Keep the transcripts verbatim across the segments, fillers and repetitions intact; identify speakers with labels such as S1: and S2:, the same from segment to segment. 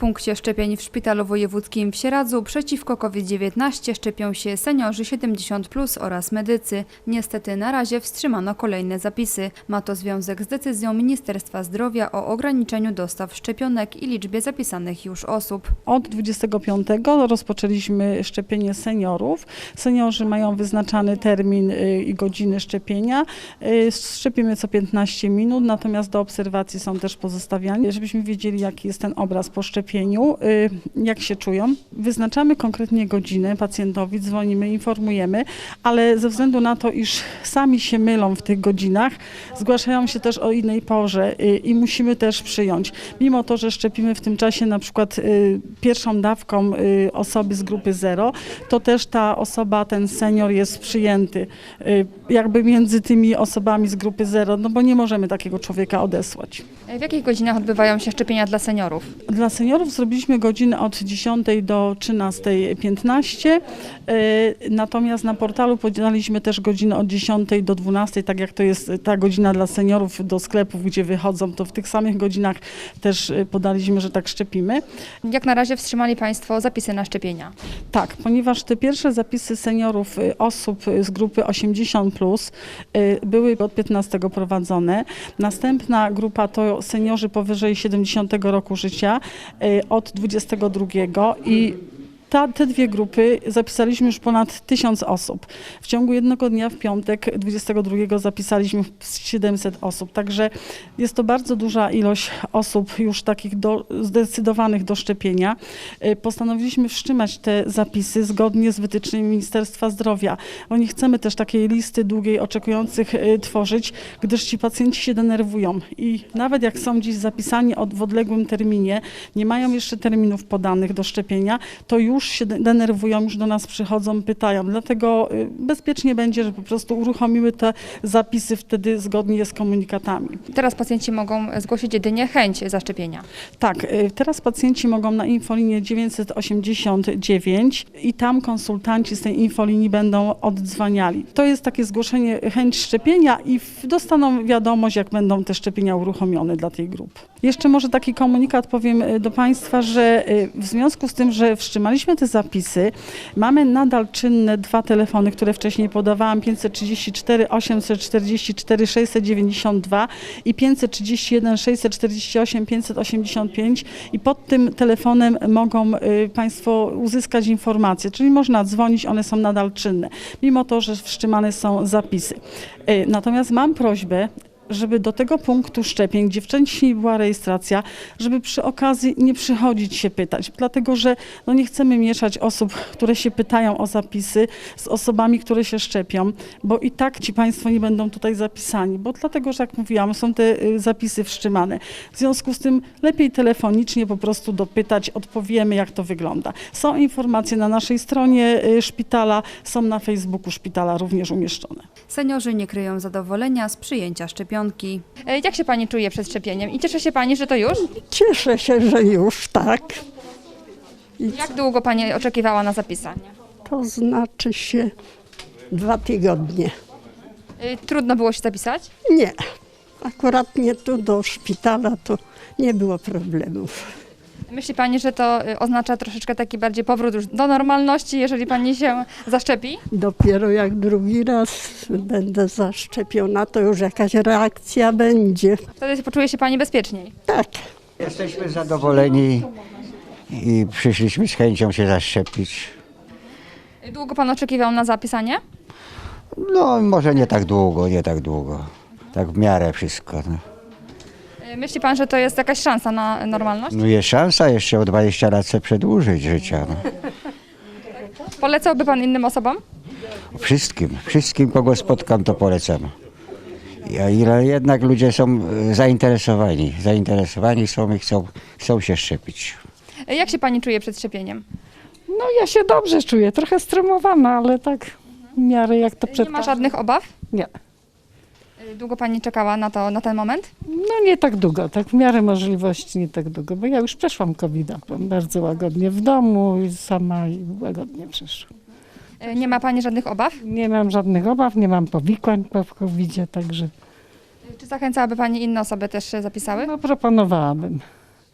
S1: punkcie szczepień w Szpitalu Wojewódzkim w Sieradzu przeciwko COVID dziewiętnaście szczepią się seniorzy siedemdziesiąt plus oraz medycy. Niestety na razie wstrzymano kolejne zapisy. Ma to związek z decyzją Ministerstwa Zdrowia o ograniczeniu dostaw szczepionek i liczbie zapisanych już osób.
S2: Od dwudziestego piątego rozpoczęliśmy szczepienie seniorów. Seniorzy mają wyznaczany termin i godziny szczepienia. Szczepimy co piętnaście minut, natomiast do obserwacji są też pozostawiani, żebyśmy wiedzieli, jaki jest ten obraz po szczepieniu, jak się czują. Wyznaczamy konkretnie godziny pacjentowi, dzwonimy, informujemy, ale ze względu na to, iż sami się mylą w tych godzinach, zgłaszają się też o innej porze i musimy też przyjąć. Mimo to, że szczepimy w tym czasie na przykład pierwszą dawką osoby z grupy zero, to też ta osoba, ten senior jest przyjęty jakby między tymi osobami z grupy zero, no bo nie możemy takiego człowieka odesłać.
S1: W jakich godzinach odbywają się szczepienia dla seniorów?
S2: Dla seniorów zrobiliśmy godziny od dziesiątej do trzynastej piętnaście, natomiast na portalu podaliśmy też godziny od dziesiątej do dwunastej, tak jak to jest ta godzina dla seniorów do sklepów, gdzie wychodzą, to w tych samych godzinach też podaliśmy, że tak szczepimy.
S1: Jak na razie wstrzymali Państwo zapisy na szczepienia?
S2: Tak, ponieważ te pierwsze zapisy seniorów, osób z grupy osiemdziesiąt plus były od piętnastego prowadzone. Następna grupa to seniorzy powyżej siedemdziesiątego roku życia od dwudziestego drugiego i Ta, te dwie grupy zapisaliśmy już ponad tysiąc osób. W ciągu jednego dnia w piątek dwudziestego drugiego zapisaliśmy siedemset osób. Także jest to bardzo duża ilość osób już takich do, zdecydowanych do szczepienia. Postanowiliśmy wstrzymać te zapisy zgodnie z wytycznymi Ministerstwa Zdrowia. Bo nie chcemy też takiej listy długiej oczekujących tworzyć, gdyż ci pacjenci się denerwują. I nawet jak są dziś zapisani od, w odległym terminie, nie mają jeszcze terminów podanych do szczepienia, to już się denerwują, już do nas przychodzą, pytają. Dlatego bezpiecznie będzie, że po prostu uruchomimy te zapisy wtedy zgodnie z komunikatami.
S1: Teraz pacjenci mogą zgłosić jedynie chęć zaszczepienia.
S2: Tak, teraz pacjenci mogą na infolinię dziewięćset osiemdziesiąt dziewięć i tam konsultanci z tej infolinii będą oddzwaniali. To jest takie zgłoszenie chęć szczepienia i dostaną wiadomość, jak będą te szczepienia uruchomione dla tej grupy. Jeszcze może taki komunikat powiem do Państwa, że w związku z tym, że wstrzymaliśmy te zapisy, mamy nadal czynne dwa telefony, które wcześniej podawałam, pięćset trzydzieści cztery osiemset czterdzieści cztery sześćset dziewięćdziesiąt dwa i pięćset trzydzieści jeden sześćset czterdzieści osiem pięćset osiemdziesiąt pięć i pod tym telefonem mogą Państwo uzyskać informacje, czyli można dzwonić, one są nadal czynne, mimo to, że wstrzymane są zapisy. Natomiast mam prośbę, żeby do tego punktu szczepień, gdzie wcześniej była rejestracja, żeby przy okazji nie przychodzić się pytać, dlatego że no nie chcemy mieszać osób, które się pytają o zapisy z osobami, które się szczepią, bo i tak ci Państwo nie będą tutaj zapisani, bo dlatego, że jak mówiłam, są te zapisy wstrzymane. W związku z tym lepiej telefonicznie po prostu dopytać, odpowiemy, jak to wygląda. Są informacje na naszej stronie szpitala, są na Facebooku szpitala również umieszczone.
S1: Seniorzy nie kryją zadowolenia z przyjęcia szczepionki. Jak się Pani czuje przed szczepieniem i cieszy się Pani, że to już?
S3: Cieszę się, że już tak. I
S1: Jak długo Pani oczekiwała na zapisanie?
S3: to znaczy się dwa tygodnie.
S1: Trudno było się zapisać?
S3: Nie, akurat nie tu do szpitala to nie było problemów.
S1: Myśli Pani, że to oznacza troszeczkę taki bardziej powrót już do normalności, jeżeli Pani się zaszczepi?
S3: Dopiero jak drugi raz będę zaszczepiona, to już jakaś reakcja będzie.
S1: Wtedy poczuje się Pani bezpieczniej.
S3: Tak.
S4: Jesteśmy zadowoleni i przyszliśmy z chęcią się zaszczepić.
S1: Długo Pan oczekiwał na zapisanie?
S4: No może nie tak długo, nie tak długo. Tak w miarę wszystko. No,
S1: Myśli Pan, że to jest jakaś szansa na normalność?
S4: no jest szansa jeszcze o dwadzieścia lat sobie przedłużyć życia. No.
S1: Polecałby Pan innym osobom?
S4: Wszystkim, wszystkim kogo spotkam to polecam. A ile jednak ludzie są zainteresowani, zainteresowani są i chcą, chcą się szczepić.
S1: Jak się Pani czuje przed szczepieniem?
S5: No ja się dobrze czuję, trochę stremowana, ale tak w miarę jak to przed...
S1: Nie ma żadnych obaw?
S5: Nie,
S1: Długo Pani czekała na to, na ten moment?
S5: no nie tak długo, tak w miarę możliwości nie tak długo, bo ja już przeszłam kowida, byłam bardzo łagodnie w domu i sama i łagodnie przeszłam.
S1: Nie ma Pani żadnych obaw?
S5: Nie mam żadnych obaw, nie mam powikłań po kowidzie, także
S1: Czy zachęcałaby Pani inne osoby też się zapisały?
S5: no proponowałabym.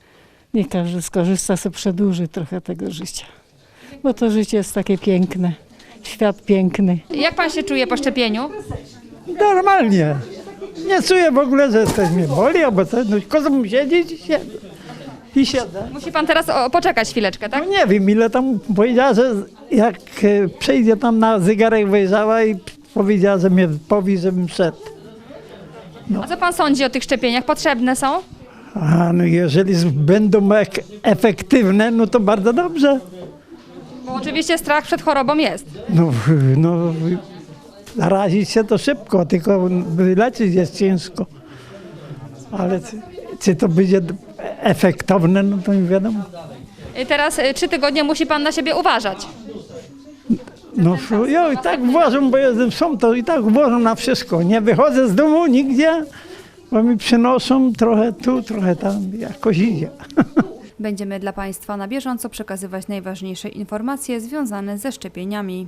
S5: nie każdy skorzysta, sobie przedłuży trochę tego życia. Bo to życie jest takie piękne, świat piękny.
S1: Jak pan się czuje po szczepieniu?
S6: Normalnie. Nie czuję w ogóle, że coś mnie boli albo coś. No, kozą siedzieć i siedzę. I siedzę.
S1: Musi pan teraz o, poczekać chwileczkę,
S6: No
S1: tak?
S6: nie wiem, ile tam powiedziała, że jak e, przejdzie tam na zegarek wyjrzała i powiedziała, że mnie powie, żebym szedł.
S1: A co pan sądzi o tych szczepieniach? Potrzebne są?
S6: A no jeżeli z- będą ek- efektywne, no to bardzo dobrze.
S1: Bo oczywiście strach przed chorobą jest.
S6: No, no zarazić się to szybko, tylko wyleczyć jest ciężko. Ale czy, czy to będzie efektowne, no to nie wiadomo.
S1: I teraz y, trzy tygodnie musi pan na siebie uważać.
S6: No ja i tak uważam, bo jestem sam, to i tak uważam na wszystko. Nie wychodzę z domu nigdzie, bo mi przynoszą trochę tu, trochę tam, jakoś idzie.
S1: Będziemy dla państwa na bieżąco przekazywać najważniejsze informacje związane ze szczepieniami.